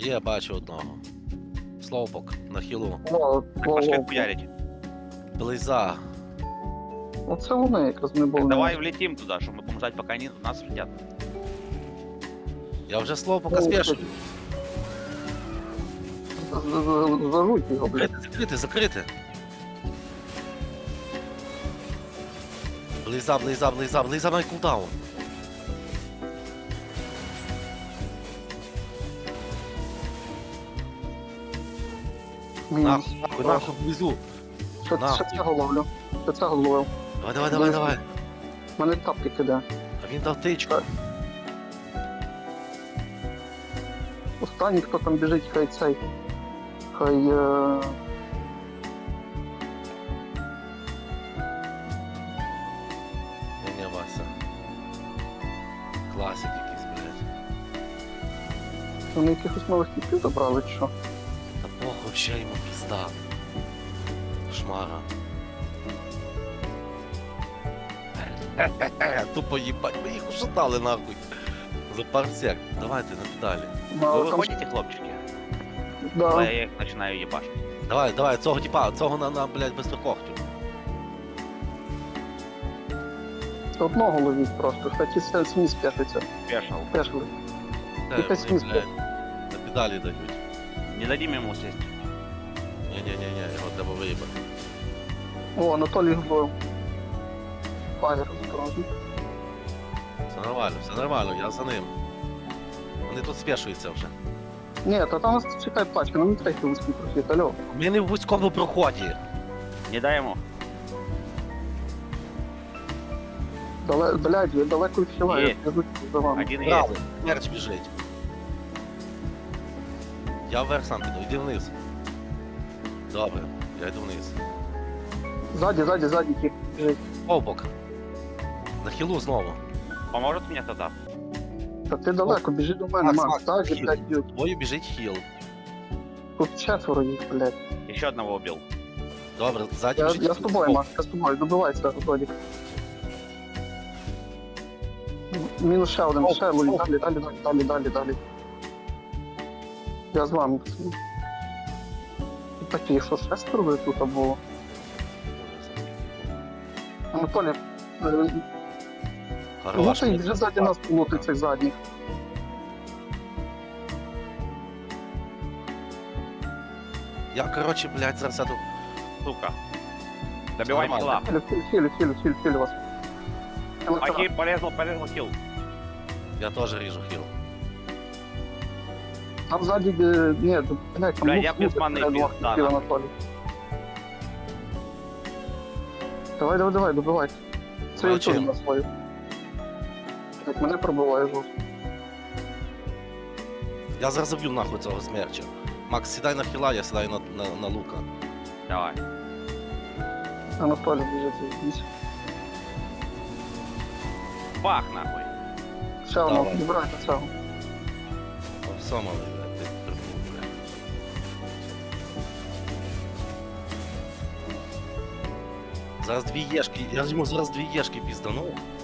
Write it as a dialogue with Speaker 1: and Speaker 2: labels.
Speaker 1: Є, бачу одного. Слоупок на хілу.
Speaker 2: О,
Speaker 3: Так пошли хуярить.
Speaker 1: Близа.
Speaker 2: Оце вони якраз не були.
Speaker 3: Давай влетим туда, чтобы мы будем ждать, пока они в нас влетят.
Speaker 1: Я вже слоупока спешу.
Speaker 2: Зажуть його, блядь.
Speaker 1: Закрити, закрити. Близа на кулдаун.
Speaker 2: Мінус.
Speaker 1: Нахуй, близу.
Speaker 2: Ще цього ловлю. Ще цього ловив.
Speaker 1: Давай.
Speaker 2: У мене тапки кидає.
Speaker 1: А він дав тичку.
Speaker 2: Останній, хто там біжить, хай цей. Хай...
Speaker 1: Не, Вася. Класик якийсь, блядь.
Speaker 2: Вони якихось нових типів забрали, чи що?
Speaker 1: Та похуй, вообще йому пізда. Шмара. Тупо їбать, ми їх ушатали нахуй. За парсек. Давайте на педалі.
Speaker 3: Вы
Speaker 2: Там...
Speaker 3: выходите, хлопчики?
Speaker 2: Да.
Speaker 3: Я их начинаю ебашить.
Speaker 1: Давай, цього типа, цього на блядь, бистрокохтю.
Speaker 2: Одного ловіть просто, хай ті самі сп'ятиться.
Speaker 3: Пешил.
Speaker 2: Пешли.
Speaker 1: Те,
Speaker 2: Якась
Speaker 1: вони,
Speaker 2: міська.
Speaker 1: блядь, на педалі дають.
Speaker 3: Не дадим ему сесть.
Speaker 1: Ні, його треба виїбати.
Speaker 2: О, Анатолій зловив. Фаєр осторожно.
Speaker 1: Все нормально, я за ним. Вони тут спешуються вже.
Speaker 2: Ні, та там нас чекає пачка, нам не треба йти вузький прохід, алло.
Speaker 1: Ми не в вузькому проході.
Speaker 3: Не дай ему.
Speaker 2: Блядь, я далеко відхиляю,
Speaker 3: Є.
Speaker 2: я за вами.
Speaker 3: Один
Speaker 1: Браво,
Speaker 3: есть.
Speaker 1: мерч біжить. Я вверх сам піду, йди вниз. Добре, я йду вниз.
Speaker 2: Ззаді, тип, біжить.
Speaker 1: Овбок. На хілу знову.
Speaker 3: Поможет мне тогда?
Speaker 2: Та ти далеко, біжи до мене, Макс, так же,
Speaker 1: хіл.
Speaker 2: блядь, б'ють.
Speaker 1: Тобою біжить хіл.
Speaker 2: Тут четверо їх, блядь.
Speaker 3: Еще одного убил.
Speaker 1: Добре, ззаді
Speaker 2: Я
Speaker 1: біжить
Speaker 2: з тобою, Макс, я з тобою, добивайся, Толік. Мінус ще один, ще ловіть, далі. Я з вами. Такі, що шестеро ви тут було? Анатолій,
Speaker 1: Хорош.
Speaker 2: лутай, вже ззаді нас лутай цих задніх.
Speaker 1: Я, короче, блядь, зараз сяду.
Speaker 3: Сука. Добивай
Speaker 1: Нормально.
Speaker 3: хила.
Speaker 2: Хілю вас.
Speaker 3: Окей, порезал хил.
Speaker 1: Я теж ріжу хіл.
Speaker 2: Там ззаді, ні, блядь, там
Speaker 3: Бля,
Speaker 2: лут
Speaker 3: я без
Speaker 2: лутать
Speaker 3: мани
Speaker 2: треба двох
Speaker 3: пізда,
Speaker 2: хілів,
Speaker 3: нахуй.
Speaker 2: Анатолій. Давай, добивай. Це
Speaker 1: Давай,
Speaker 2: я чую
Speaker 1: чим?
Speaker 2: на свою. Так, мене пробиває жорстко.
Speaker 1: Я зараз заб'ю нахуй цього смерча. Макс, сідай на хіла, я сідаю на лука.
Speaker 3: Давай.
Speaker 2: Анатолій біжить здесь.
Speaker 3: Бах нахуй.
Speaker 2: Ще одного,
Speaker 1: Давай.
Speaker 2: добирайте цього.
Speaker 1: Все, малий, блядь, ти прибув, блядь. Зараз дві єшки, я йому зараз дві єшки піздану.